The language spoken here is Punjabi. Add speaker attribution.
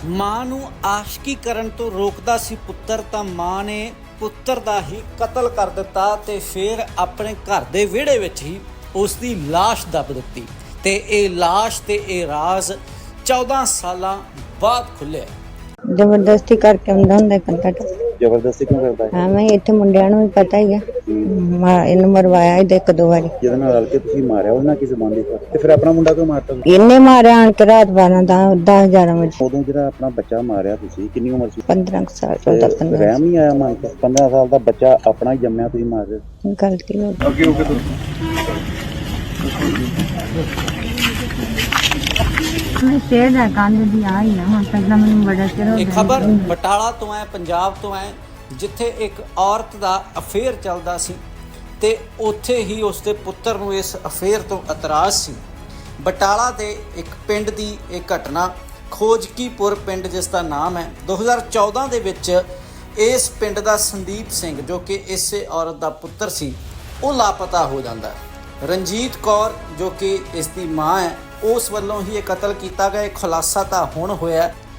Speaker 1: ਮਾਂ ਨੂੰ ਆਸ਼ਕੀ ਕਰਨ ਤੋਂ ਰੋਕਦਾ ਸੀ ਪੁੱਤਰ ਤਾਂ ਮਾਂ ਨੇ ਪੁੱਤਰ ਦਾ ਹੀ ਕਤਲ ਕਰ ਦਿੱਤਾ ਤੇ ਫਿਰ ਆਪਣੇ ਘਰ ਦੇ ਵਿਹੜੇ ਵਿੱਚ ਹੀ ਉਸ ਦੀ ਲਾਸ਼ ਦੱਬ ਦਿੱਤੀ ਤੇ ਇਹ ਲਾਸ਼ ਤੇ ਇਹ ਰਾਜ਼ 14 ਸਾਲਾਂ ਬਾਅਦ ਖੁੱਲਿਆ।
Speaker 2: ਜ਼ਬਰਦਸਤੀ ਕਰਕੇ ਆਉਂਦਾ ਹੁੰਦਾ ਕੰਟਾ
Speaker 3: ਜ਼ਬਰਦਸਤੀ ਕਿਉਂ ਕਰਦਾ ਹੈ?
Speaker 2: ਹਾਂ ਮੈਂ ਇੱਥੇ ਮੁੰਡਿਆਂ ਨੂੰ ਵੀ ਪਤਾ ਹੀ ਆ ਇਹਨੂੰ ਮਰਵਾਇਆ ਇਹਦੇ ਇੱਕ ਦੋ ਵਾਰੀ
Speaker 3: ਜਿਹਦੇ ਨਾਲ ਰਲ ਕੇ ਤੁਸੀਂ ਮਾਰਿਆ ਉਹਨਾਂ ਕੀ ਜ਼ਬਾਨ ਦੀ ਤੇ ਫਿਰ ਆਪਣਾ ਮੁੰਡਾ ਕਿਉਂ ਮਾਰਤਾ?
Speaker 2: ਇਹਨੇ ਮਾਰਿਆ ਆਣ ਕੇ ਰਾਤ 10-11 ਵਜੇ।
Speaker 3: ਉਦੋਂ ਜਿਹੜਾ ਆਪਣਾ ਬੱਚਾ ਮਾਰਿਆ ਤੁਸੀਂ ਕਿੰਨੀ ਉਮਰ ਸੀ?
Speaker 2: 15 ਸਾਲ 14-15
Speaker 3: ਰਹਿਮ ਨਹੀਂ ਆਇਆ ਮਨ ਤੇ 15 ਸਾਲ ਦਾ ਬੱਚਾ ਆਪਣਾ ਹੀ ਜੰਮਿਆ ਤੁਸੀਂ ਮਾਰ ਰਹੇ ਹੋ।
Speaker 2: ਗਲਤੀ ਹੋ ਗਈ।
Speaker 3: ਅੱਗੇ ਹੋ ਕੇ
Speaker 2: ਮੈਂ ਸ਼ੇਰ ਦਾ ਕੰਧ ਦੀ ਆਈ ਆ ਹੁਣ ਪਹਿਲਾਂ ਮੈਨੂੰ ਬੜਾ ਚਿਰ ਹੋ
Speaker 1: ਇਹ
Speaker 2: ਗਿਆ।
Speaker 1: ਖਬਰ ਬਟਾਲਾ ਤੋਂ ਹੈ, ਪੰਜਾਬ ਤੋਂ ਹੈ, ਜਿੱਥੇ ਇੱਕ ਔਰਤ ਦਾ ਅਫੇਅਰ ਚੱਲਦਾ ਸੀ ਤੇ ਉੱਥੇ ਹੀ ਉਸਦੇ ਪੁੱਤਰ ਨੂੰ ਇਸ ਅਫੇਅਰ ਤੋਂ ਇਤਰਾਜ਼ ਸੀ। ਬਟਾਲਾ ਦੇ ਇੱਕ ਪਿੰਡ ਦੀ ਇਹ ਘਟਨਾ, ਖੋਜਕੀਪੁਰ ਪਿੰਡ ਜਿਸ ਦਾ ਨਾਮ ਹੈ। 2014 ਦੇ ਵਿੱਚ ਇਸ ਪਿੰਡ ਦਾ ਸੰਦੀਪ ਸਿੰਘ ਜੋ ਕਿ ਇਸੇ ਔਰਤ ਦਾ ਪੁੱਤਰ ਸੀ ਉਹ ਲਾਪਤਾ ਹੋ ਜਾਂਦਾ ਹੈ। ਰਣਜੀਤ ਕੌਰ ਜੋ ਕਿ ਇਸ ਦੀ ਮਾਂ ਹੈ ਉਸ ਵੱਲੋਂ ਹੀ ਇਹ ਕਤਲ ਕੀਤਾ ਗਿਆ। ਖੁਲਾਸਾ ਤਾਂ ਹੁਣ ਹੋਇਆ